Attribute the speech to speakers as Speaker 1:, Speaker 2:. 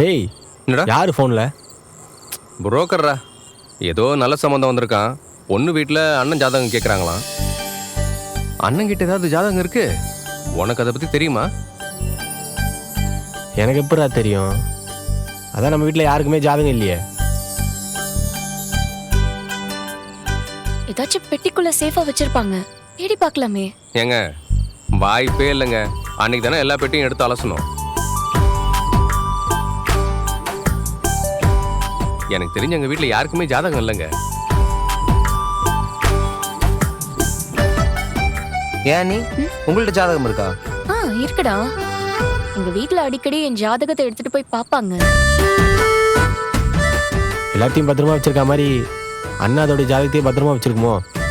Speaker 1: டேய்
Speaker 2: என்னடா
Speaker 1: யாரு ஃபோனில்?
Speaker 2: புரோக்கர்ரா. ஏதோ நல்ல சம்மந்தம் வந்திருக்கான். பொண்ணு வீட்டில் அண்ணன் ஜாதகம் கேட்குறாங்களாம். அண்ணன் கிட்ட ஏதாவது ஜாதகம் இருக்கு? உனக்கு அதை பற்றி தெரியுமா?
Speaker 1: எனக்கு எப்படா தெரியும்? அதான் நம்ம வீட்டில் யாருக்குமே ஜாதகம் இல்லையே.
Speaker 3: ஏதாச்சும் பெட்டிக்குள்ள சேஃபா வச்சிருப்பாங்க, தேடி பார்க்கலாமே.
Speaker 2: ஏங்க வாய்ப்பே இல்லைங்க. அன்னைக்கு தானே எல்லா பெட்டியும் எடுத்து அலசணும். எனக்கு தெரிஞ்ச எங்கள் வீட்டில் யாருக்குமே ஜாதகம் இல்லைங்க.
Speaker 4: ஏன் நீ உங்கள்ட்ட ஜாதகம் இருக்கா?
Speaker 3: இருக்குடா. எங்க வீட்ல அடிக்கடி என் ஜாதகத்தை எடுத்துட்டு போய் பாப்பாங்க.
Speaker 1: எல்லாத்தையும் பத்திரமா வச்சிருக்க மாதிரி அண்ணா அதோடைய ஜாதகத்தையும் பத்திரமா வச்சிருக்குமோ?